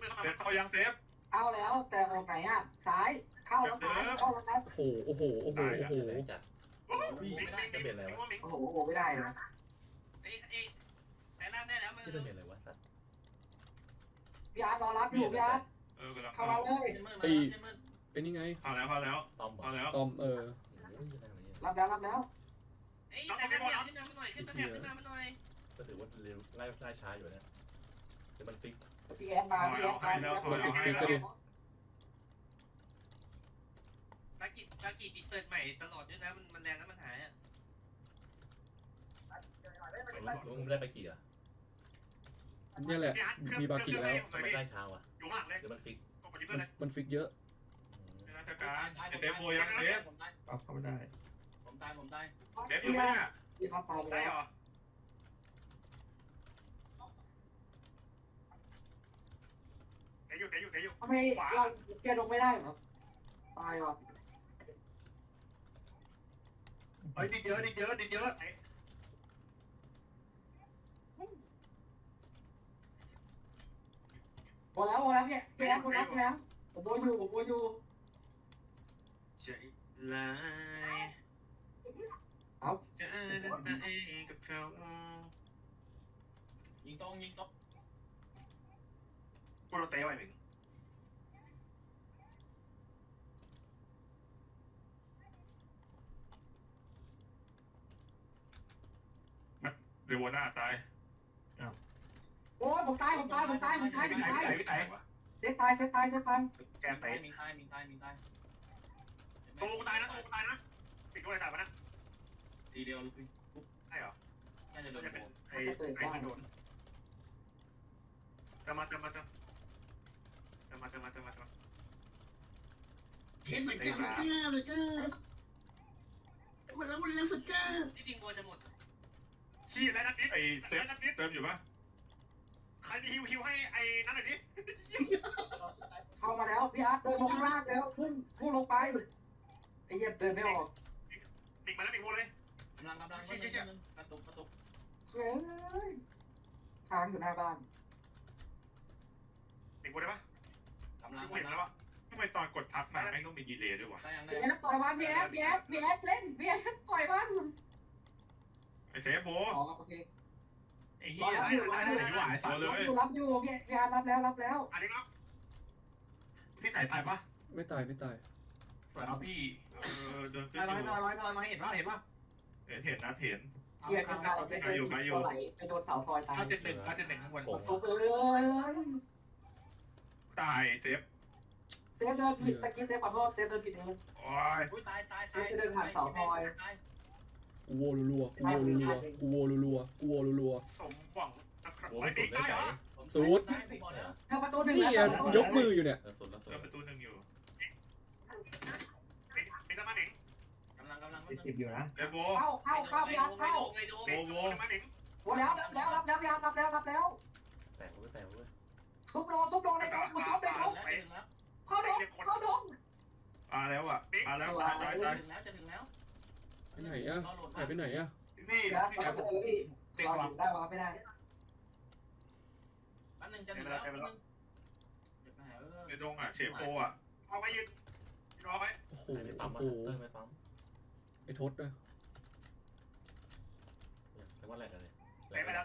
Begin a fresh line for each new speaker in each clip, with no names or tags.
เซฟเข้ายังเซฟ
เอาแล้วแต่ออกไหนอ่ะซ้ายเข้าแล้วซ้ายเข้าแล้วซ้าย
โอ้โห
จัด
จะเปลี่ยนอะไรวะ
โอ้โหไม่ได้นะ
แต่นั่นได้แล้วมึง
ที่จะเปลี่ยนอะไรวะสัตว์
พี่อาร์ตรอรับอยู่พี่อาร์ต
กำลัง
เข้ามาเลย
ไอ้นี่ไง
เข้าแล้ว
ตอม
เข้าแล้ว
ตอม
รับแล้ว
ไอ้แต่นั่นเนี่ยขึ้นมาหน่อยขึ้นมาหน่อย
ก็ถือว่าเร็วไล่ช้าอยู่นะแต่มันฟิก
พี่แอนมาพี่แอนมา
ตากีปิดเปิดใหม่ตลอดด้วยนะมันแรงแล้วมันหายอ่ะ
ลุงได้ไปกี่อ่ะ
เนี่ยแหละมีบากิแล้ว
ทำไมไล่ช้าวะ
อยู่ข้างหลังเลย
หรือมันฟิก
มันฟิกเยอะ
ราชการเซฟโบยังเซฟ
เข้าไม่ได้
ผมตาย
เซฟอยู่ไหมเนี่ย
พี่อาร์ตตายไป
ได้
แล้ว
เหรอเตะอยู่
ทำไมเราเกียร์ลงไม่ได้เหรอตายว่ะ
เฮ้ยดิเยอะ
พอแล้วพี่แอนผมโบอยู่
ใจลายจะนั่นเองกับเขา
ยิงตรง
พวกเราเตะไว้หนึ่งเรวน่าตาย
โอ้ยผมตายเซฟตาย
แกเตะ
มิงตาย
ตัวกูตายนะปิดตัวอะไรตายมานะ
ทีเดียว
ใช่เหรอ
น่าจะโดน
ไอ้โดนจะมา
เห็นเหมือนกันเจ้าเลยก็วันแล้วสุดเจ้า
ที่ดิงบัวจะหมด
ขี้แล้วนัดนิดไอ้เซฟเติมอยู่ปะใครมีฮิวให้ไอ้นั่นหน่อยดิ
เข้ามาแล้วพี่อาร์ตเดินลงข้างล่างแล้วพุ่งลงไปไอ้เหี้ยเดินไม่ออก
ปิดมาแล้วปิดโบเลย
กำลังกระตุก
เฮ้ยค้างอยู่หน้าบ้าน
ปิดโบได้ปะ
กำลัง
เห็นแล้ววะทำไมตอนกดทับมาแม่งต้องมีดีเลย์ด้วยวะ
ได้ยัง
พี่แอนต่อยมันพี่แอนเล่นพี่แอนต่อยมัน
ไอ้เซฟโบ
อ๋อโอเค
ไอ้เหี้ยได้สัตว์เลย
รับอยู่พี่อาร์ตรับแล้ว
อันนี้ครับ
พี่ใส่ตายปะ
ไม่ตาย
สวยเอาพี่
เดินขึ้น
ร้อยมาเห็นป่ะ
เห็นนะ
เคลียร์กันเอาเส้นตัวไหลไปโดนเสาทอยตาย
971ข้างบน
ซุปเลย
ตายเซฟ
เซฟเดินผิดตะกี้เซฟขอโทษเซฟเดินผิดเอง
โอ้ย
อุ้ยตาย
กูโวรัว
สมหวังนะครับ
โอ้
ไอ้
สุ
บิ๊
ด
ก
ได้
ได้
ใจ
เหรอ
สูด
เธอประตูหนึ่ง
นี่
แล้ว
ยกมืออยู่เนี่ย
สุดแล้วสุด
เริ่มประตูหนึ่งอยู่ปิดน้ำมันหนิง
กำลัง
เซฟโบ
เข้าพี่อาร์ตเข้า
โบน้ำมันหนิง
โอ้แล้วรับแล้ว
แตกเว้ย
ซุปโดนในดงซุปในดงเข้าดง
มาแล้วอ่ะมาแล้วตาย
จะถึงแล้ว
ไปไหนอะหายไปไหนอะ
พี่
พี่อาร์ตต่อยประตูพี่เราได้วะไม่ได้
แป๊บนึงจะถึงแล้ว
ในดงอ่ะเชฟโบอ่ะเอาไว้ยืนรอไว้
โอ้โห
ไม่ปั๊ม
โอ้โห
ไม่ปั๊ม
ไอ้ทศอะ
แต่ว่าแหลกอะไร
เตะไปแล้ว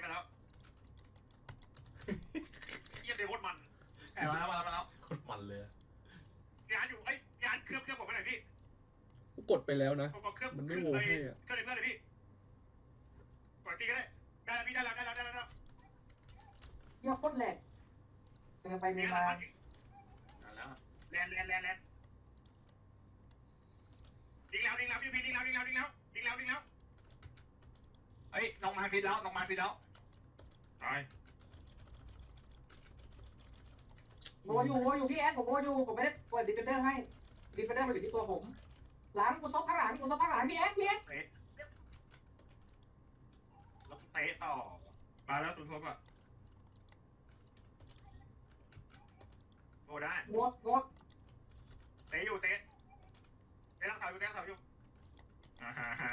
เยี่ยมเตะโคตรมัน
มาแล้ว
โคตรมันเลย
ยานอยู่ไอ้ยานเครื่องผมไปไหนพี่
กูกดไปแล้วนะ
เครื่อง
มันไม่โวให้อะ
เครื่องเลยเพื่อนเลยพี่กดตีก็ได้ได้แล้วพี่ได้แล้ว
เยี่ยโคตรแหลกเดินไปเดินมา
แล้ว
แลนยิงแล้วพี่ยิงแล้ว
เฮ้ยน้องมาพิษแล้ว
ตาย
โบอยู่พี่แอนผมโบอยู่ผมไม่ได้เปิดดิฟเฟนเดอร์ให้ดิฟเฟนเดอร์มาอยู่ที่ตัวผมหลังกูซบข้างหลังพี่แอน
แล้วเตะต่อมาแล้วตุนครบอ่ะโอ้ได้
งด
เตะรักษาอยู่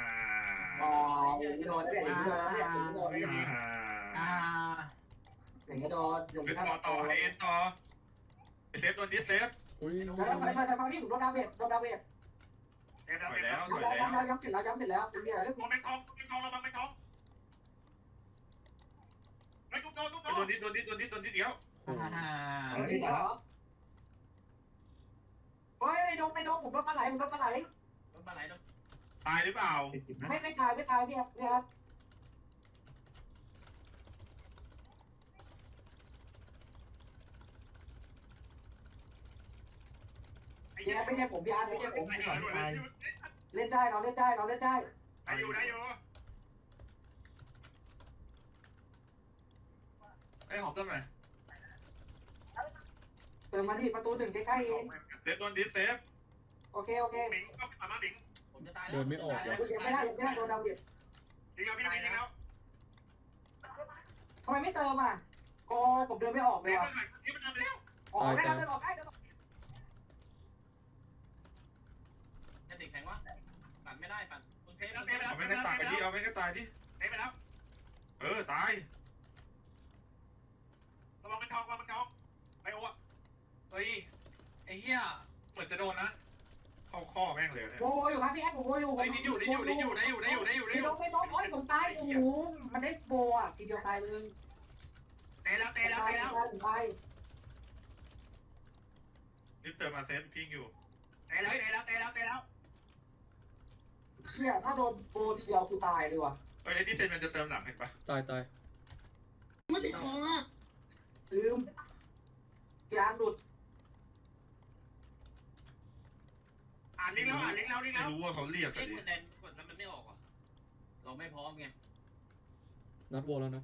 อ๋อโดนเนี่ยโดนอย่างเงี้ยโดนอย่าง
เป็น
เงี้ย
ต่อไอเอ็นต่อไอเซฟโดนดิสเซฟ
อุ้ย
แล้วไปพี่ผมโดนดาเมจโดนดาเมจ
ถอยแล้วถอย
ย้ำ
แล้ว
ย้ำเสร็จแล้วย้ำเสร็จแล้วเป็นเหี้ย
ตัวแมงทองระวังแมงทองไอ้ตุ๊กโดนเดี๋ยว
นี่เหรอเฮ้ยไอ้ดงผมโดนปลาไหลผมโดนปลาไหล
รถปลาไหลรถ
ตายหรือเปล่า
ไม่ตายพี่ครับ
ไอ้
พี่
เหี้ย
ไม่ใช่ผมพี่อาร์ไม่ใช่ผม
ไอ้เหี้ย
เล่นได้เราเล่นได้
ได้อยู่
เอ้ยหอมต้นหน่อย
เติมมาดิประตู1ใกล้ๆเอง
เซฟโดนดิสเซฟ
โอเค
หมิงก็มาหมิง
ผมจะตายแล้ว
เดินไม่ออกว่ะ
ยังไม่ได้โดนดาเมจ
ยิงแล้วพี่ยิงแล้ว
ทำไมไม่เติมอ่ะก็ผมเดินไม่ออก
เซ
เลย
ฟ
ว่ะ
นี่มันทำไปแล้ว
ออกได้เดินออกได้
จะติดแข็งวะปั่นไม่ได้ปั่นคุณเทป
เอาไม่ได้ตายดิเอาไม่ได้ตายดิเตะไปแล้วตายระวังมันทองไอโอ้
เฮ้ยไอ้เหี้ยเหมือนจะโดนนะ
เข้าข้อแม่งเลยเนี่ย
โวอยู่ครับพี่แอดผมโวอยู่
เฮ้ยนี่อยู่
ไม่โดนโอ้ยผมตายโอ้โหมันได้โบอ่ะทีเดียวตายเลย
เตะแล้ว
ผมตาย
นี่เติมมาเซฟพิงอยู่เตะแล้ว
เชี่ยถ้าโดนโบทีเดียวกูตายเลยว่ะ
ไอ้ที่เซนมันจะเติมหลังเห็นปะ
ตาย
ไม่ติดคอ
ลืมยางหลุด
อ่านลิงแล้วไม่รู้ว่าเขาเรียก
เอ้
กัน
ย
ดิ
กดแดนกดแล้วมันไม่ออกว่ะ
เราไม่พร้อมไง
นัดโวแล้วนะ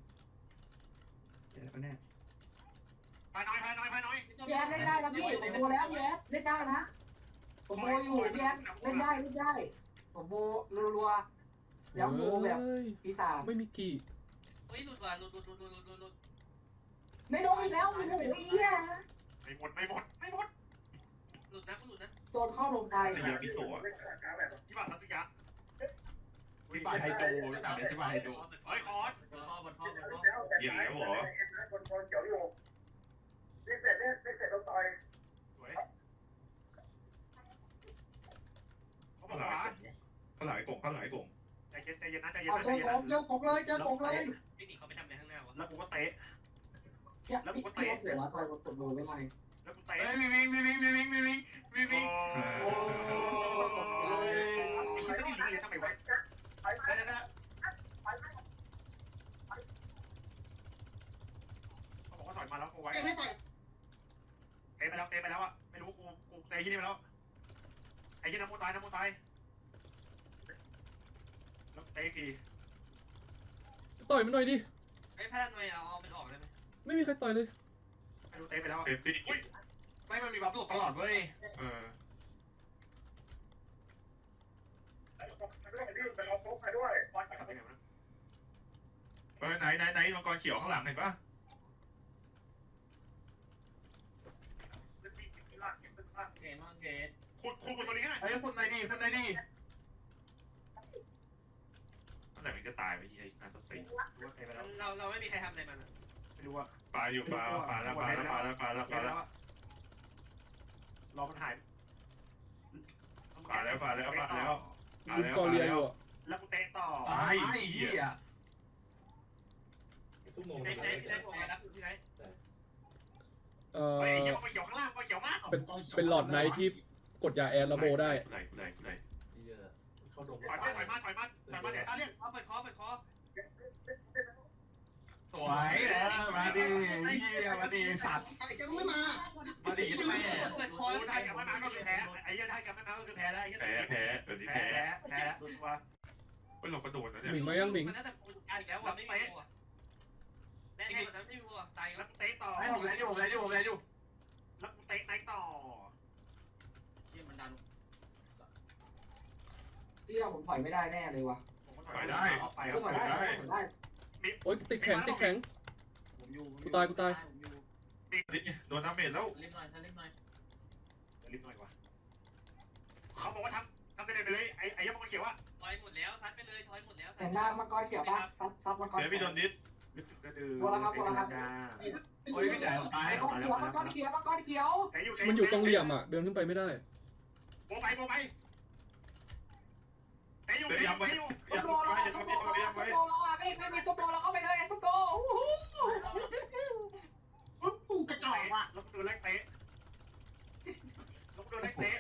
พายน้อย
พี่แอดเล่นได้แล้วพี่ผมโบแล้วพี่แอดเล่นได้นะผมโบอยู่พี่แอดเล่นได้ผมโบรัวๆแล้วโบแบบ
เฮ้ย
ปีศาจ
ไม่มีกี่
เฮ้ยหลุดว่ะหลุด
ในโดนอีกแล้วโอ้โหเหี้ย
ไม่หมด
หลุดนะกูหลุดนะ
โดนเข้าลงไกล
สยามพิโตะที่บ้านทัศยา
วิบายไฮโจรู้จักไหมวิบายไฮโจ
เฮ้ยคอร์ส
บนข้อบนข้อบนข้อ
เหี้ยแล้วเหรอสวยเขาบอกว่าเขาหลายกงใจเย็นนะ
เอาเจอผมเลย
ไม่หนีเขาไปทำอะไรข้างหน้าวะ
แล้วกูก็เตะ
เนี่ยพี่รถเหลือตอนกดโบไม่ไร
แล้วกูเตะ
เฮ้ยวิ่ง
โอ้ยไอ้ชิ้นนี้ยิงเลยทำไมวะได้เขาบอกว่าถอยมาแล้วกูไว้
แกไม่ใส่
เตะไปแล้วอ่ะไม่รู้กูเตะที่นี่ไปแล้วไอ้ที่น้ำมูตายแล้วเตะที
ต่อยมันหน่อยดิ
ไอ้พลังหน่อยเอามันออกได้ไหม
ไม่มีใครต่อยเลย
ไม่รู้เตะไปแล้วเตะตีอุ้ย
ไม่มันมีบัฟหลบตลอดเว้ย
ไหนมังกรเขียวข้างหลังเห็นปะ
เกณฑ์มั่งเกณฑ์
คุณตัวนี้ไง
เฮ้ยคุณไหนดิ
เมื่อไหร่มันจะตายไปที่ไอ้นาตตีเตะไปแล้ว
เราไม่มีใครทำอะไรมัน
ไม่รู้ว่าปลาอยู่ปลาแล้วรอมันหายปลาแล้ว
ลุมกอเรียอยู่อ่ะ
แล้วกูเตะต่อ
ไอ้เหี้ย
ได้ผมมารับคุณที่ไหน
ไอ้เขียวเขียวข้างล่างเขียวมาก
เป็นหลอดไนท์ที่กดยาแอดแล้วโบได้
เขาดม
ถอยมาเดี๋ยวถ้าเรียก
เปิดคอ
สวยมาดิเหี้ยมาดิสัตว์
ไอ้แกไม่มา
มาดิแม่
เปิดคอ
ไทยกับแม่น้ำก็คือแพ้ไอ้เหี้ยไทยกับแม่น้ำก็คือแพ้แล้วไอ้เหี้ยแพ้แล้วดูว่าเป็นหลงกระโดดนะเนี่ย
หมิงมายังหมิง
มันน่าจะปูนอีกแล้วว่ะไม่มีวัวแน่ๆมันไม่มีวัวตาย
แล้
แล้ว ว
กูเตะต่อ
ให้ผมเลยอยู่
แล้วกูเตะไหนต่อ
เหี้ยมันดัน
เที่ยผมถอยไม่ได้แน่เลยว่ะ
ไปได้
ก็ถอยได้
โอ๊ยติดแข็ง
ผมอยู่
กูตาย
โดนน้ำเม็ดแล้ว
เล่นหน่อยฉันเล่นหน่อย
รีบหน่อยวะเขาบอกว่าทำไปเลยไอ้ยังมันเขียวว่า
ถอยหมดแล้วซัดไปเลยถอยหมดแล้ว
แต่หน้ามังกรเขียวปะซัดมังกร
เดี๋ยวพี่โดนดิสนึกถึงกระดือ
โอ้ยพี่จ่ายตาย
มังกรเขียวมังกรเขียว
มันอยู่ตรงเหลี่ยมอ่ะ เดินขึ้นไปไม่ได้
โบไปแต่อยู่
ส้มโดแล้วส้มโดแล้วไม่มีส้มโดแล้วเข้าไปเลยส้มโด
กูกระจอกว่ะ
ลงดูแรกเตะต่อ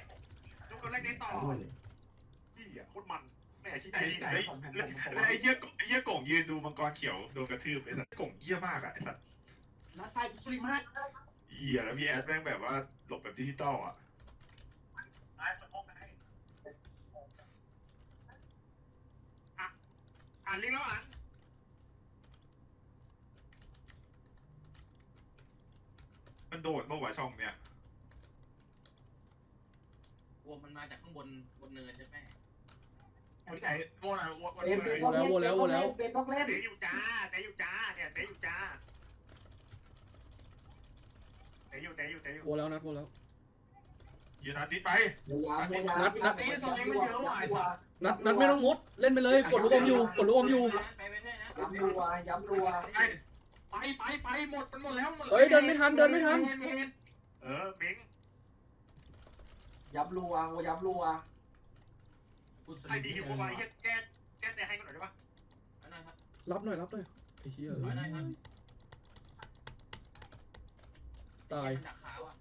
ที่อ่ะโคตรมันแม่ชี้ใจไอ้เหี้ยก่งยืนดูมังกรเขียวโดนกระทืบไอ้สัตว์ก่งเหี้ยมากอ่ะไอ้สัตว์
นัดไฟกูสลิมมาก
เหี้ยแล้วพี่แอดแม่งแบบว่าหลบแบบดิจิตอลอ่ะอ่านลิงก์แล้วอ่านมันโดดเมื่อวานช่องเนี้ย
วัวมันมาจากข้างบนเนินใช่ไหม
พี่จ่ายโง่นะวัน
เบ
นี้
นต้องเล่นเบนต้องเล่น
เตะอยู่จ้าเนี่ยเตะอยู่
โวแล้วนัดโวแล้ว
อยู่นาติดไป
ตีโซนนี้มันเยอะว่ะไอ้สัส
นัดไม่ต้องมุด เล่นไปเลย กดลูกอมอยู่ กดลูกอมอยู่
ไปไม่ได้นะ
ย้ำรัว
ไปหมดแล้ว
เฮ้ยเดินไม่ทัน
มิง
ย้ำรัว
ไอ้ดีหิวมาไอ้แก้แต่ให้กันหน่อยได้ปะ
รับหน่อยไอ้เหี้ยตาย
ดักขาวอ่ะ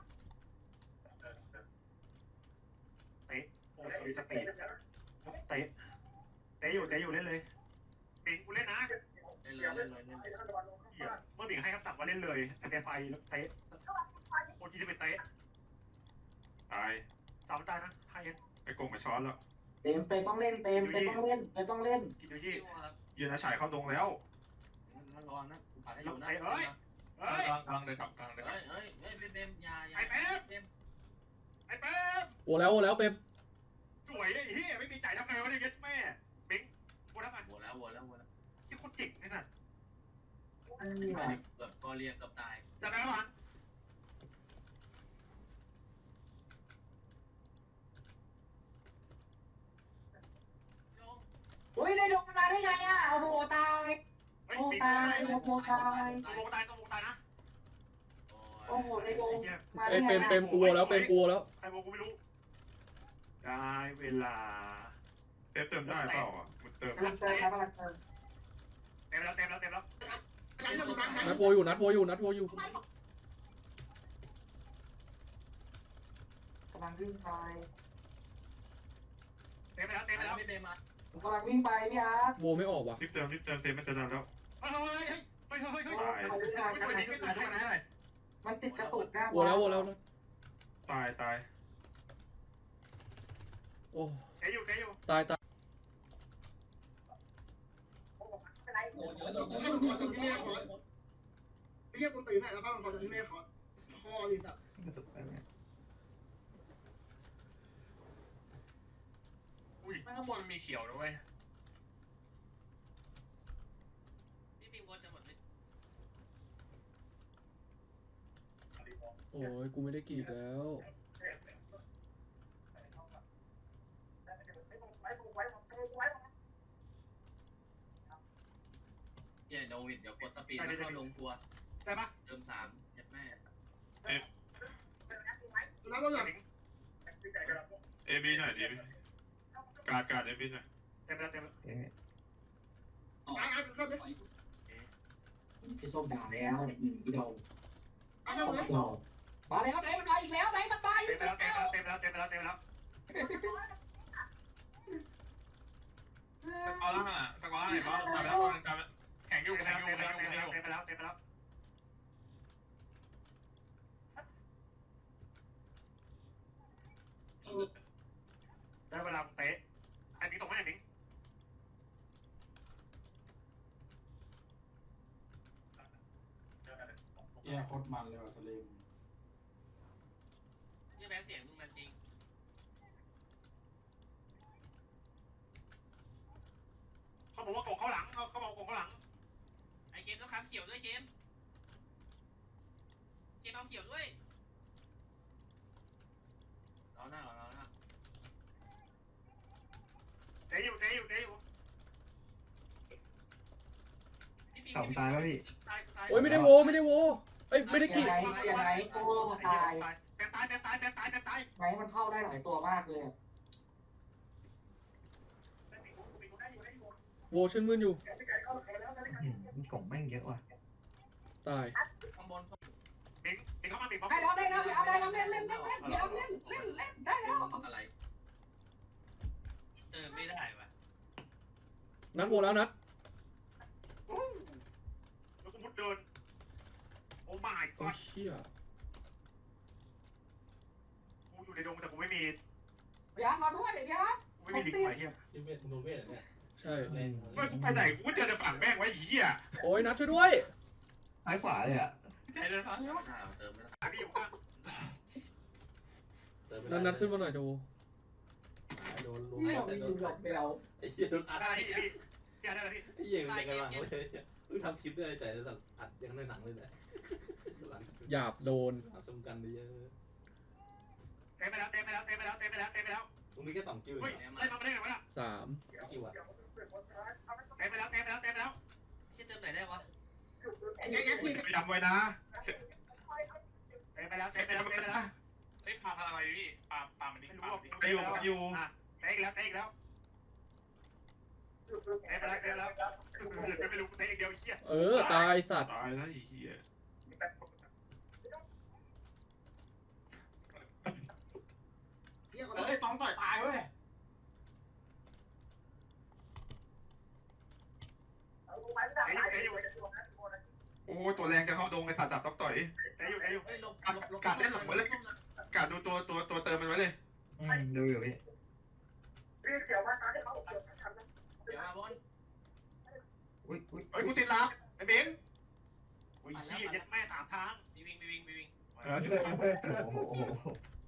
โอ้ยสปีดเตะอยู่เล่นเลยมิงกูเล่นนะ
เล่นเลย
เมื่อมิงให้คำสั่งว่าเล่นเลยแต่ไปแล้วเตะโอ้ยจะเป็นเตะตายสามตายนะให้ยังไอ้กงมาช้อนแล้ว
เปมต้องเล่น
กินดูยี่ยืนอาฉายเข้าตรงแล้ว
มันร้อนนะกูปัดให้อยู่นะ
เฮ้ยกลางเลยกลางเลย
เฮ้ยเบมยา
ไอ้เป๊ป
โวแล้วเป๊ป
สวยไอ้เหี้ยไม่มีจ่ายทำไงวะเนี่ยแม่มิงกูทำไง
วัวแล้ว
ที่คนเก่งไอ้สัส
เกือบกอเรียกับตาย
จะได้ปะ
อุ้ยได้ลงมาได้ไงอ่ะโอ้โหตาย
เฮ้ย
โอ้
มิง
ตายโอ้โหตาย
ต้องลงตายนะ
โอ้โหได้ลง
เอ้ยเปมกูโวแล้ว
ใครบอกกูไม่รู้ได้เวลาเติมได้เปล่าอ่ะมันเติม
กำลังเติม
เต็มแล้ว
ครั้งเดียวครั้งนั้น
นัดโวอยู่
กำลังวิ่งไป
เต็มแล้ว
ไม่เบมมา
ผมกำลังวิ่งไปพี่อาร์ต
โวไม่ออกว่ะ
รีบเติมเต็มมันจะดันแล้วเฮ้ย
มันติดกระตุกนะ
โวแล้วนะ
ตาย
โอ้
เตะอยู่
ตาย
ให้มันขอจากที่แม่ขอไอ้เหี้ยคนตื่นน่ะแล้วป้ามันขอจากที่แม่ขอคอเลยสัตว์
ข้างบนมีเขียวนะเว้ย
พี่ปิงวนจะหมดเลย
โอ้ยกูไม่ได้กรีดแล้ว
โดวิดเดี๋ยวกดสปีดแล้วเข้าลงทัวร์
ได้ปะ
เติม3ยัดแม่
แล้วก็อย่าง
เอบีหน่อยดิการเอบีหน่อยเต็มแล้ว
ไอ้เข้าไป
พี่ส้มด่าแล้วอีโด
ไอ้เข้าไป
มาแล้วไหนมันมาอีกแล้วไหนมันมาอีกแล้ว
เต็มแล้ว
เอาละตะกอนไหนบ้างมาแล้วแข่งอยู่
เต็มแล้วได้เวลาเตะไอ้มิงส่งให้ไอ้มิง
แย่โคตรมันเลยว่ะสลิม
นี่แบงเสียงมึงมันจริง
เขาบอกว่าโกงเขาหลังเขาบอกโกงเขาหลัง
ไอเกมต้องค้ำเขียวด้วยเกมเอาเขียวด้วยเราหน้า
เตะอยู่
พี่ปิง
สองตายแล้วพี่
โอ้ยไม่ได้โวไม่ได้โวเอ้ยไม่ได้
เกี
กี่
ยร์ไหนโอ้ตาย
แปนตายแปนตายแปนตายแปนตาย
ไหนมันเข้าได้หลายตัวมากเลย
โวชื่นมื่นอยู่
กล่องแม่งเยอะว่ะ
ตาย
ข้างบน
ปิงปิงเข้ามาปิง
ได้แล้วได้แล้วเอาได้แล้วเล่นเล่นเล่นเล่นเดี๋ยวเล่นเล่นเล่นได้แล้ว
อะไร
ไม่ได้ว่ะ
นัดโวแล้วนัด
แล้วกูมุดเดินโอ้ my
โอ้
god
เชี่ย
กูอยู่ในดงแต่กูไม่มี
พี่อาร์ตรอด้วยพี่อาร์ต
กูไม่มีลิงไว้เฮีย
ที่เวทมึงโดนเวทเนี่ย
ใช่
แรง
เมื่อกูไปไหนกูเจอแต่ฝั่งแม่งไว้เฮีย
โอ้ยนัดช่วยด้วย
ซ้ายขวาเลยอ่ะ
ใจเดินพัง
เติมไม่ได้
พี่อยู่ข้าง
เติมไม่
นั
ได้
ดขึ้นมาหน่อยโจ
โดนลุม
ไม่
แต่
มี
โดน
หลบเดียว
ไอ้เหี้ยโดนอัด
ได้พี่พี่ได้แล้วพี่
ไอ้เหี้ยมันยังไงวะเพิ่งทำคลิปด้วยแต่แบบอัดยังในหนังเลยแหละหลัง
หยาบโดน
ชมกันเยอะ
เต็มไปแล้วเต็มไปแล้วเต็มไปแล้วเต็มไปแล้วเต็มไปแล้ว
มึงมีแค่2คิว
เฮ้ย
เอง
เล่นมาไม่ได้ไงวะล่ะ
3
คิวอะ
เต็มไปแล้วเต็มไปแล้วเต็มไปแล้ว
ที่เติมไหนได้วะ
ไอ้ยักษ์ที่
ไปดำไว้นะเต็มไปแล้วเต็มไปแล้วเต็มไปแล้ว
เฮ้ยปลาพลังอะไรพี่ปลามันดิ้ง
ไม่
ปลา
รู้ไปอยู่เตะอีกแล้วเตะอีกแล้วเตะไปแล้วเตะไปแล้วไม่รู้เตะอีกเดียวเฮีย
เออตายสัตว์
ตายแล้วไอ้เฮีย
เฮียเขา
เฮ้ยต้องต่อยตายเว้ย
โอ้ตัวแรงจะเข้าดงไอ้สัตว์ดับต๊อกต่อยเตะอยู่เตะอยู่
เฮ้ยลบ
กัดเล่นหลังไว้เลยกัดดูตัวเติมมันไว้เลยดูอยู่พี่
เดี๋ยวมาบอล
อุ้ยเฮ้ยกูติดลับไอ้เบนอุ้ยเฮียยัดแม่3 ทาง
มีวิ่ง
โอ้โห